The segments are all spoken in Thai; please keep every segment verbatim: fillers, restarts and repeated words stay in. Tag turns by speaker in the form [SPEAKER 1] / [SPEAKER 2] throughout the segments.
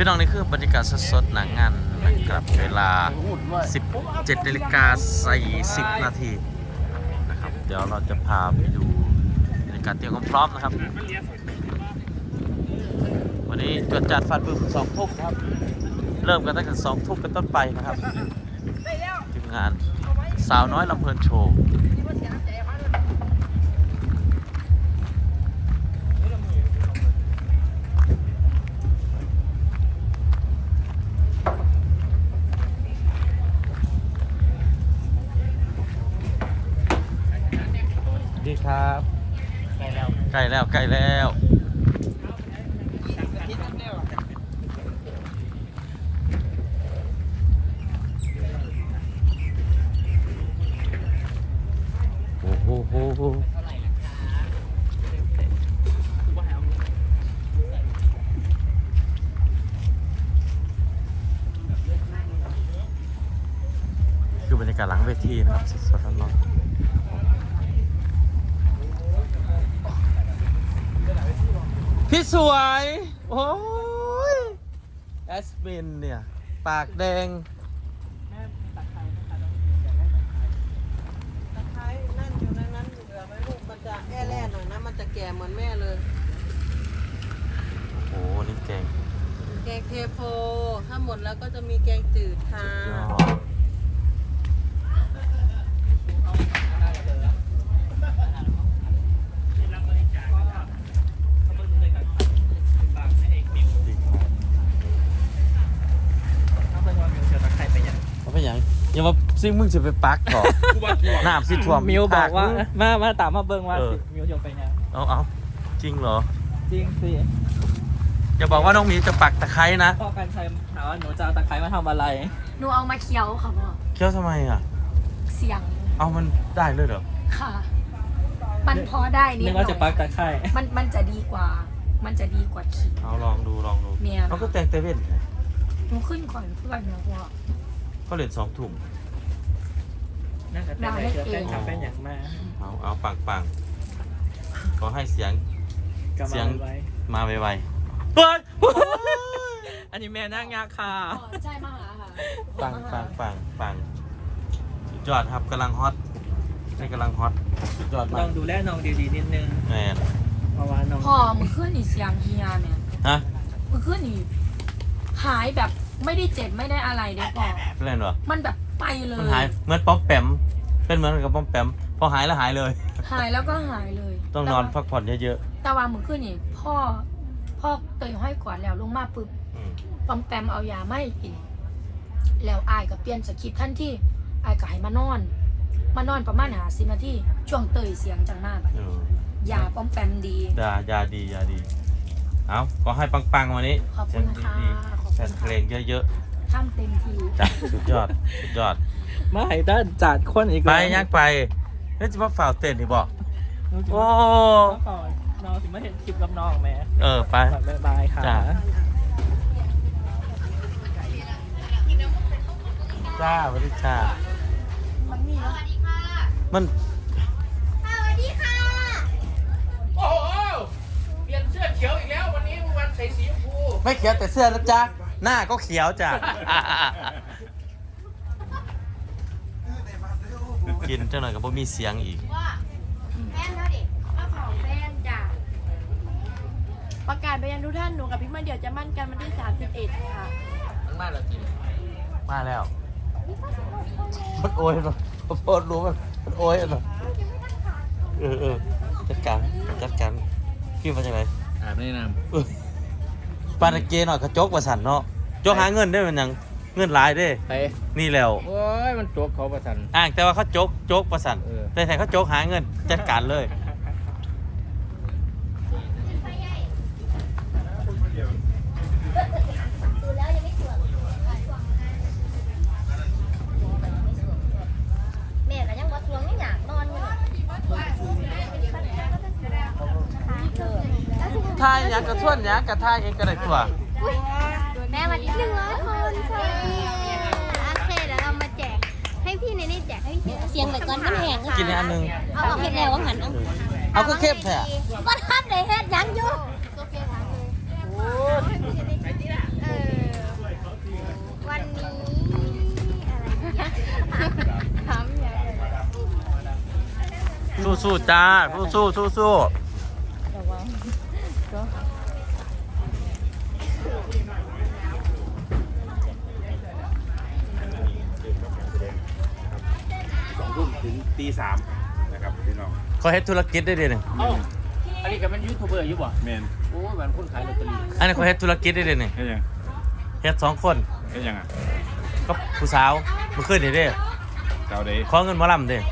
[SPEAKER 1] พี่น้องนี่คือบรรยากาศสดๆหนังงานนะครับเวลา สิบเจ็ดนาฬิกาสี่สิบนาทีนะครับเดี๋ยวเราจะพาไปดูบรรยากาศเตรียมความพร้อมนะครับวันนี้จวดจัดฟันบึ้มสองทุ่มครับเริ่มกันตั้งแต่สองทุ่มเป็นต้นไปนะครับทีมงานสาวน้อยลำเพลินโชว์ดีครับใกล้แล้วใกล้แล้วใกล้แล้วโอ้โหโหโหคือบรรยากาศหลังเวทีนะครับสดๆร้อนๆพี่สวยโอ้ยแอสมินเนี่ยปากแดง
[SPEAKER 2] ตะไคร้นั่นอยู่ในนั้นเหลือไว้ลูกมันจะแอ่แร่หน่อยนะมันจะแก่เหมือนแม่เลย
[SPEAKER 1] โอ้โหนี่แกง
[SPEAKER 2] แกงเทโพถ้าหมดแล้วก็จะมีแกงจืดค่ะ
[SPEAKER 1] อย่ามาซิมึงจะไปปักก่อนน้ำสิท่วม
[SPEAKER 3] มิวบอกว่ามามาตามมาเบิ้งว่าสิมิวจะไปไง
[SPEAKER 1] เอาเอาจริงเหรอ
[SPEAKER 3] จริงสิ
[SPEAKER 1] อย่าบอกว่าน้องมิวจะปักตะไคร้นะ
[SPEAKER 3] พ่อกันชัยถามว่าหนูจะเอาตะไคร้มาทำอะไร
[SPEAKER 4] หนูเอามาเคี้ยวค่ะพ่อ
[SPEAKER 1] เคี้ยวทำไมอ่ะ
[SPEAKER 4] เสียง
[SPEAKER 1] เอามันได้เลยเหรอ
[SPEAKER 4] ค่ะมันพอได้นิดหน่อย
[SPEAKER 3] นึกว่าจะปักตะไคร้
[SPEAKER 4] มันมันจะดีกว่ามันจะดีกว่าขิง
[SPEAKER 1] เอาลองดูลองดู
[SPEAKER 4] เมีย
[SPEAKER 1] เขาก็แต่งเตเว่น
[SPEAKER 4] หนูขึ้นก่อนเพื่อนนะพ่อ
[SPEAKER 1] เขาเหรียญสองถุง
[SPEAKER 3] น่าจะเป็นอะไรเกิดเป็นเป็นอย่างมาก
[SPEAKER 1] เอาเอาปังปังก็ให้เสียงเสียงมาไวๆเฮ้ย
[SPEAKER 3] อันนี้แม่นั่งยากค่ะ
[SPEAKER 4] ใช่มาหาค่ะ
[SPEAKER 1] ปังปังปังปังสุดยอดครับกำลังฮอตนี่กำลังฮอตสุดยอดมาก
[SPEAKER 3] ลองดูแลน้องดีๆนิดนึง
[SPEAKER 1] แม่
[SPEAKER 3] เพราะว่าน้อง
[SPEAKER 4] พ่อมึงขึ้นอีเสียงเฮียเนี่ย
[SPEAKER 1] ฮะ
[SPEAKER 4] มึงขึ้นอีหายแบบไม่ได้เจ็บไม่ได้อะไรเดี๋ยวก่อน
[SPEAKER 1] เป็นไรหรอ
[SPEAKER 4] มันแบบไปเลย
[SPEAKER 1] มันหายเหมือนป๊อปแปมเป็นเหมือนกับป๊อปแปมพอหายแล้วหายเลย
[SPEAKER 4] หายแล้วก็หายเลย
[SPEAKER 1] ต้องนอนพักผ่อนเยอะ
[SPEAKER 4] ๆแต่ว่ามึงขึ้นอีพ่อพ่อเตยห้อยกวาดแล้วลงมาปุ๊บปอมแปมเอายาไม่กินแล้วอายก็เปลี่ยนสคริปต์ทันทีอายก็ให้มานอนมานอนประมาณหาสิบนาทีช่วงเตยเสียงจังมากยาปอมแปมดี
[SPEAKER 1] ยายาดียาดีเอาก็ให้ปังๆวันนี้
[SPEAKER 4] ขอบคุณค่ะ
[SPEAKER 1] แฟนเพลงเยอะ
[SPEAKER 4] ๆทำเต็มที่
[SPEAKER 1] จัดสุดยอดสุดยอด
[SPEAKER 3] มาให้ด้านจัดคนอีก
[SPEAKER 1] ไปยักไปนี่จะมาฝ่าเต้นอีกบอกโอ้
[SPEAKER 3] น้องถึงมาเห็นคลิปกับน้องแม่
[SPEAKER 1] เออไป
[SPEAKER 3] บายบายค่ะ
[SPEAKER 1] จ้าสวัสดีจ้า
[SPEAKER 4] มันมีแล้ว
[SPEAKER 1] มัน
[SPEAKER 4] สวัสดีค่ะ
[SPEAKER 5] โอ้โหเปลี่ยนเสื้อเขียวอีกแล้ววันนี้วันใส่สีชมพู
[SPEAKER 1] ไม่เขียวแต่เสื้อนะจ๊ะหน้าก็เขียวจ้ะกินเจ้าหน่อยก็บ่มีเสียงอีก
[SPEAKER 4] ว่าแฟนเท่าดิว่าของแฟนจ้ะ
[SPEAKER 6] ประกาศไปยังทุกท่านหนูกับพี่มาเดี๋ยวจะมั่นกันวันที่สามสิบเอ็ดค่ะ
[SPEAKER 5] มันมาแล้วจริง
[SPEAKER 1] มาแล้วมันโอยมันโพดรู้มันมันโอยมันเออเออจัดการจัดการพี่มาจากไหน
[SPEAKER 5] อาบในน้
[SPEAKER 1] ำปานาเกหน่อยกระจกประสันเนาะจกหาเงินได้มันยังเงินหลายได้นี่แล้ว
[SPEAKER 5] โอ้ยมันโจกเขาประสัน
[SPEAKER 1] อ่างแต่ว่าเขาโจกโจกประสันแต่แทนเขาโจกหาเงินจัดการเลย
[SPEAKER 4] แม่ก็ยังบ่ทวงไม่อยากนอนอยู่
[SPEAKER 1] ทายยักกระท่วนยักกระทายเองก็ได้ตัว
[SPEAKER 6] แม่วันนี้หนึ่งร้อยคนใช่โอเคเดี๋ยวเรามาแจกให้พี่ในนี่แจกให้พี่เสียงแบบก้อนมันแห้ง
[SPEAKER 1] กินอันนึง
[SPEAKER 6] เอาเอาเห็ดแล้วว่าหันเอา
[SPEAKER 1] เอาก็เข้มแท้
[SPEAKER 6] ก้อนข้ามเลยเฮ็ดยังอยู่โอเคค่ะเออ
[SPEAKER 1] สู้ๆจ้าสู้ๆสู้ๆ
[SPEAKER 7] สองทุ่มถึงตีสามนะครับพี่น้อง
[SPEAKER 1] เขาเฮ็ดธุรกิจได้เดีหนึ่ง
[SPEAKER 5] เอ้าอันนี้ก็เป็นยูทูบเบอร์อยู่บ่
[SPEAKER 7] แมน
[SPEAKER 5] โอ้ยมันคนขายลอตเตอรี่
[SPEAKER 1] อันนี้เขาเฮ็ดธุรกิจได้เดีหนึ่ง
[SPEAKER 7] เฮ็ดยัง
[SPEAKER 1] เฮ็ดสองคน
[SPEAKER 7] เฮ็ดยังอ่ะ
[SPEAKER 1] ก็ผู้สาวเมื่อคืนนี่เด้
[SPEAKER 7] เจ้าเดย์
[SPEAKER 1] ขอเงินหมอลำเด้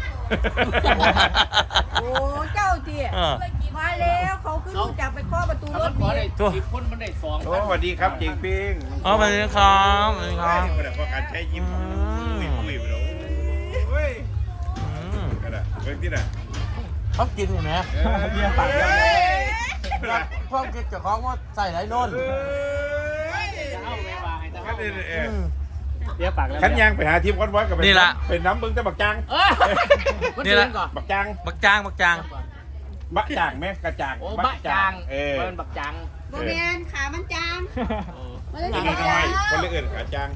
[SPEAKER 2] โอ้เจ้าเจี๊ย
[SPEAKER 1] เออ
[SPEAKER 2] มาแล้วเขาขึ้นรู้จักไปเคาะประตู
[SPEAKER 5] ถ้าร มั
[SPEAKER 2] ถ
[SPEAKER 5] นขอ
[SPEAKER 2] นี่
[SPEAKER 5] ได้
[SPEAKER 1] ตัว
[SPEAKER 5] สิบคนมันได้สอง
[SPEAKER 7] โอ้สวัสดีครับเจงปิ้ง
[SPEAKER 1] อ๋อสวัสดีครับสวัสดีครับ
[SPEAKER 7] กระดาษพอการใช้ยิ้ม
[SPEAKER 1] อืม
[SPEAKER 7] ปุ้ยปุ้ยไปแล้วโอ้ย
[SPEAKER 1] อืม
[SPEAKER 7] กระดาษเบิ่งที่น่ะ
[SPEAKER 1] เขากินอยู่ไหม
[SPEAKER 7] เบียร์ปากแล้ว
[SPEAKER 1] พวกกินกับของว่าใส่ไรโน่น
[SPEAKER 5] จะเอาแม่วางให้ตา
[SPEAKER 7] ขั
[SPEAKER 5] เอา
[SPEAKER 7] นเออ
[SPEAKER 5] เดี๋ยวปากแล้ว
[SPEAKER 7] ขันยางไปหาทีมคอนวอยกับเป็นเป็นน้ำเบิ้งแต่บักจาง
[SPEAKER 5] เออมันเสียงก่อน
[SPEAKER 7] บักจาง
[SPEAKER 1] บักจางบักจาง
[SPEAKER 7] บักจางไหมกระจาง
[SPEAKER 5] โอ้บักจาง
[SPEAKER 7] เออ
[SPEAKER 5] เป็นบักจาง
[SPEAKER 2] โมเมนขามันจางมัน
[SPEAKER 7] นี่
[SPEAKER 2] จะ
[SPEAKER 7] น้อยคนเลือกกระจาง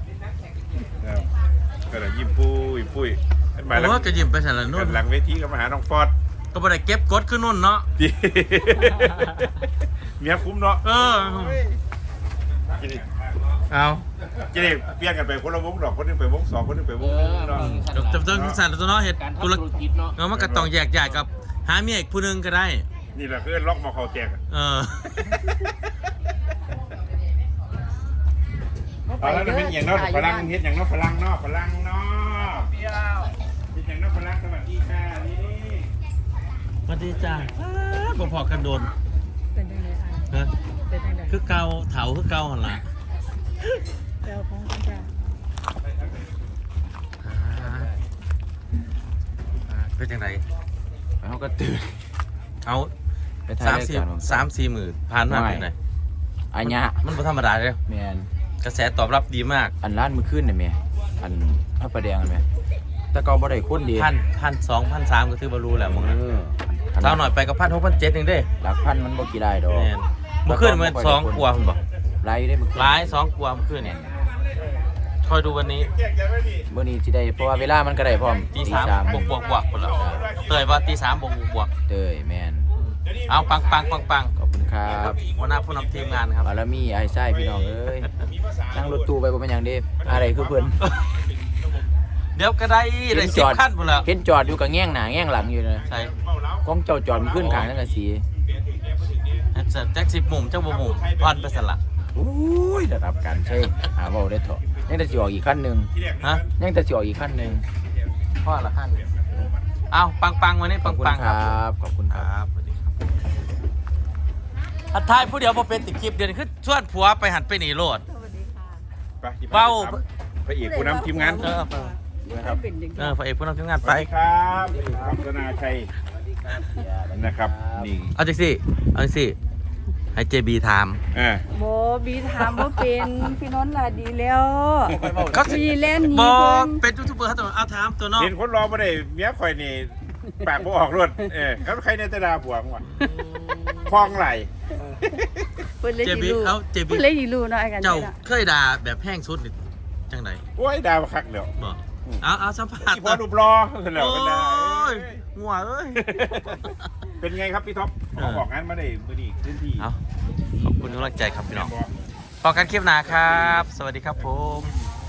[SPEAKER 7] กระดาษยิ้มปุ้ยปุ้ยหมาย
[SPEAKER 1] ผมว่าจะยิ้มไปใส่ละ
[SPEAKER 7] นู่
[SPEAKER 1] นู่
[SPEAKER 7] น
[SPEAKER 1] น
[SPEAKER 7] หลังเวทีก็มาหาน้องฟอร์ด
[SPEAKER 1] ก็ไม่ได้เก็บกดขึ้นนู่นเนาะ
[SPEAKER 7] ดีเมียคุ้มเนาะ
[SPEAKER 1] เออเอา
[SPEAKER 7] จะได้เปลี่ยนกันไปคนละวงดอกคนนึงไปวงสองคนนึงไปวงนึงเนาะ
[SPEAKER 1] จบจบจบสั่นตัวเนาะเห็ด
[SPEAKER 5] การ
[SPEAKER 1] ธุ
[SPEAKER 5] ทำ
[SPEAKER 1] ร
[SPEAKER 5] ธุรกิจเนาะ
[SPEAKER 1] เออมันก็ต้องแยกย้ายกับหาเมียอีกผู้หนึงก็ได้
[SPEAKER 7] นี่แหละคือล็อกมาเขาแจก
[SPEAKER 1] เออ
[SPEAKER 7] เอาแล้วเป็นอย่างนอกพลังเฮ็ดอย่างนอกพลังเนาะพลังเนาะเปี้ยวเฮ็ดอย่างนอกพลังสวัสดีค่ะนี่
[SPEAKER 1] สวัสดีจ้าบ่พอกันโดน
[SPEAKER 2] เป็นยังไงอ่ะ
[SPEAKER 1] ฮะ
[SPEAKER 2] เป็นยังไง
[SPEAKER 1] คือเกาเถาคือเกาหันละ
[SPEAKER 2] เจ้าของกันจ้า
[SPEAKER 1] เป็นยังไง
[SPEAKER 8] เขาก็ตื่น
[SPEAKER 1] เอา
[SPEAKER 8] ไปถ่าย
[SPEAKER 1] สาม
[SPEAKER 8] ราย
[SPEAKER 1] สี่
[SPEAKER 8] การผม
[SPEAKER 1] สามสี่หมื่นผ่านมาเป็นไง
[SPEAKER 8] อันเนี้ย
[SPEAKER 1] มันบ่ธรรมดาเลย
[SPEAKER 8] แมน
[SPEAKER 1] กระแสตอบรับดีมาก
[SPEAKER 8] อันร้านมือขึ้นเนี่ยแม่อันพระประแดงเนี่ยแม่แต่เก่าบ่ได้คนดี
[SPEAKER 1] พันพันสองพันสามก็ถือว่ารู้แหละมึงนะ
[SPEAKER 8] เออ
[SPEAKER 1] เท่าหน่อยไปกับพันหกพันเจ็ดเองเด้
[SPEAKER 8] หลักพันมันบ่กี่ได้ดอก
[SPEAKER 1] แม่นเมื่อคืนมันสองกลัวคุณบอก
[SPEAKER 8] ไล่ได้มือขึ้น
[SPEAKER 1] ร้ายสองกลัวเมื่อคืนเนี่ยคอยดูวันนี้
[SPEAKER 7] แจกแจกไว้ดิ
[SPEAKER 8] มื้อนี้สิได้เพราะว่าเวลามันก็ได้พร้อม
[SPEAKER 1] ตีสามบวกบวกบวกหมดแล้วเตยว่าตีสามบวกบวกบวก
[SPEAKER 8] เต้ยแมน
[SPEAKER 1] เอาปังปังปังปัง
[SPEAKER 8] ขอบคุณครับ
[SPEAKER 1] หัวหน้าผู้นำทีมงานครับ
[SPEAKER 8] บารมีไอ้ไส้พี่น้องเอ้ยนั่งรถตู้ไปบ่เป็นหยังเด้อะไรคือเพิ่น
[SPEAKER 1] เดี๋ยวก็ได้ได้สิบขั้นหมดแล้ว
[SPEAKER 8] เห็นจอดอยู่กับแง่งหน้าแง่งหลังอยู่นะ
[SPEAKER 1] ใช่
[SPEAKER 8] ของเจ้าจอดมันขึ้นข้างนั่นน่ะสิ
[SPEAKER 1] แจ็คสิบมุมเจ้าบุมุมอ่อนไปสละ
[SPEAKER 8] อุ้ยระดับการใช้หาเว้าได้เถอะยังแต่สิออกอีกขั้นหนึง
[SPEAKER 1] ฮะ
[SPEAKER 8] ยังแต่สิออกอีกขั้นหนึง
[SPEAKER 1] พ่อละขั้นเอาปังปังวันนี้
[SPEAKER 8] ข
[SPEAKER 1] ปั
[SPEAKER 8] อบ
[SPEAKER 1] ง
[SPEAKER 8] คุณ
[SPEAKER 1] ปัง
[SPEAKER 8] ค
[SPEAKER 1] ค
[SPEAKER 8] รั
[SPEAKER 1] รับบ
[SPEAKER 8] ขอบคุณ
[SPEAKER 1] ค
[SPEAKER 8] ค
[SPEAKER 1] รั
[SPEAKER 8] รับบ
[SPEAKER 1] สวัสดีครับทัดทายผู้เดียวพอเป็นติดคลิปเดือนขึ้นชวนผัวไปหันไปหนีโลด
[SPEAKER 2] สวัสดีค่ะ
[SPEAKER 7] ไป
[SPEAKER 1] เบ้า
[SPEAKER 7] พระเอกผู้นำทีมงาน
[SPEAKER 1] เออ
[SPEAKER 7] นะครับ
[SPEAKER 2] เป็นยังไง
[SPEAKER 1] เออพระเอกผู้นำทีมงาน
[SPEAKER 7] ส
[SPEAKER 1] ไป
[SPEAKER 7] วัสดีครับคัมธนาชัยนะครับนี่
[SPEAKER 1] เอาจังสิเอาจังสิให้เจบีถาม
[SPEAKER 7] เออ
[SPEAKER 9] โบบีถามว่าเป็นพี่นนท์ล่ะดีแล้ว
[SPEAKER 1] เขาสิ
[SPEAKER 9] มีเล่นหนี
[SPEAKER 1] บอ
[SPEAKER 9] เพิ่น
[SPEAKER 1] เป็นยูทูบเบอร์เขาตัวเอาถามตัวน้อง
[SPEAKER 7] เห็นคนรอมาได้เมียข่อยนี่ปากบ่ออกรวดเออเขาใครในตาดาผัวมึงวะคลองไหล
[SPEAKER 9] เพิ่นเลย
[SPEAKER 1] เจ
[SPEAKER 9] ดี
[SPEAKER 1] บี
[SPEAKER 9] รู้
[SPEAKER 1] เอาเจบี
[SPEAKER 9] เพิ่นเลยดีรู้เนาะไอ้กัน
[SPEAKER 1] เจ้า
[SPEAKER 9] เนาะ
[SPEAKER 1] เคยด่าแบบแห้งสุดนี่จังได
[SPEAKER 7] โอ้ยดาวคักเดี๋ยว
[SPEAKER 1] บอกเอาเอาสัมภาษ
[SPEAKER 7] อี
[SPEAKER 1] ณ์
[SPEAKER 7] พอรูปรอแล้ว
[SPEAKER 1] โอ้
[SPEAKER 7] กันได้
[SPEAKER 1] ยงัวเอ้ย
[SPEAKER 7] เป็นไงครับพี่ท็อปขอบอกงานมาได้มือดีพื้นที่
[SPEAKER 1] เอาขอบคุณกำลังใจครับพี่น้องพอกันคลิปหนาครับ สวัสดีครับผม